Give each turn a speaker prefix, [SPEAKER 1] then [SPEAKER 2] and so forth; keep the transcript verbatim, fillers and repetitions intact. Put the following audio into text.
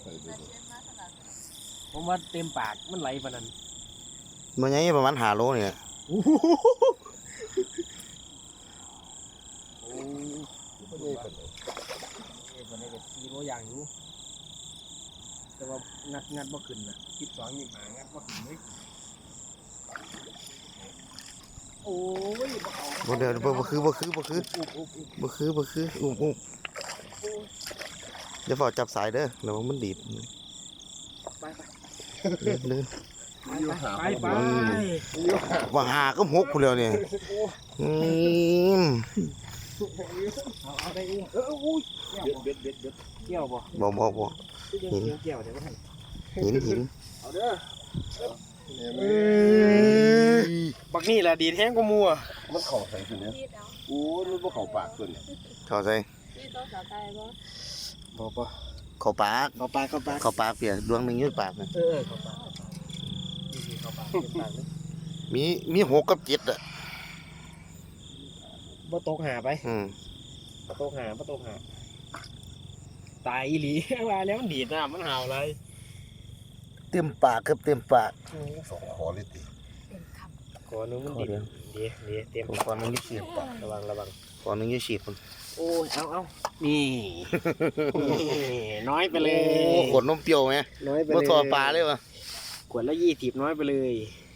[SPEAKER 1] ผมว่าเต็มปากมันไหลปานนั้น
[SPEAKER 2] มันยังประมาณห้าโลเนี่ย
[SPEAKER 1] โอ้โหโอ้คนนี้คนนี้คนนี้ก็สี่โลอย่างอยู่แต่ว่างัดงัดบ่ขึ้นน่ะสิบสองยี่สิบห้างัดบ่ขึ้นเลยโอ้ยบ่เอา
[SPEAKER 2] บ่เดี๋ยวบ่บ่คือบ่คือบ่คือ
[SPEAKER 1] อุ๊บอุ๊บอุ๊บ
[SPEAKER 2] บ่คือบ่คืออุ้มอุ้มอย่าฝ่าจับสายเด้อแล้วมันดีด
[SPEAKER 1] ไปไป
[SPEAKER 2] เดินเดิน
[SPEAKER 1] ไปไป
[SPEAKER 2] ว่าหาก็หกพุ่นแล้วเนี่ยอืม
[SPEAKER 1] เอาเอาได้อุ้มเอออุ้ยเบ็ดเบ็ดเบ็ดเกี่ยวบ่
[SPEAKER 2] บ่บ่บ่
[SPEAKER 1] เกี่ยวเกี่ยวเดี๋ยวมัน
[SPEAKER 2] หินหิน
[SPEAKER 1] เอาเด้อบักนี่แหละดีแท้งกว่ามัว
[SPEAKER 3] มันเข่าใส่ขึ้นเนี่ยโอ้ยมันบ่เข่าปากขึ้นเนี่ย
[SPEAKER 2] เข้าใจ
[SPEAKER 4] นี่ต้องสาวไก่บ่
[SPEAKER 1] บ่บ่
[SPEAKER 2] เข้าปาก
[SPEAKER 1] เข้าปากเข้าปาก
[SPEAKER 2] เข้าปากเปียดวงหนึงอยู่ปากนะ
[SPEAKER 1] เออเข้าปากนี่เข้าปากเข้าปากเลย
[SPEAKER 2] มีมีหกกับเจ็ดอ่ะ
[SPEAKER 1] บ่ตกหาไป
[SPEAKER 2] อืม
[SPEAKER 1] บ่ตกหาบ่ตกหาตายอีหลีว่าแล้วมันดีดน้ำมันห่าวอะไร
[SPEAKER 2] เต็มปากครับเต็มปาก
[SPEAKER 3] สองคอเลยติ
[SPEAKER 4] เป็นค
[SPEAKER 1] ขอนึงมันดีดดีดีเต็ม
[SPEAKER 2] ผม
[SPEAKER 1] ปาก
[SPEAKER 2] ขอนึงยี่สิบ
[SPEAKER 1] ระวังระวัง
[SPEAKER 2] ขอนึงยี่สิบคน
[SPEAKER 1] โอ้ยเอาเอานี่น้อยไปเลย
[SPEAKER 2] โอ้ขวดนมเปรี้ยวไหม
[SPEAKER 1] น้อยไปเลย
[SPEAKER 2] มาทอปลาเลยวะ
[SPEAKER 1] ขวดละยี่สิบน้อยไปเลย
[SPEAKER 2] อ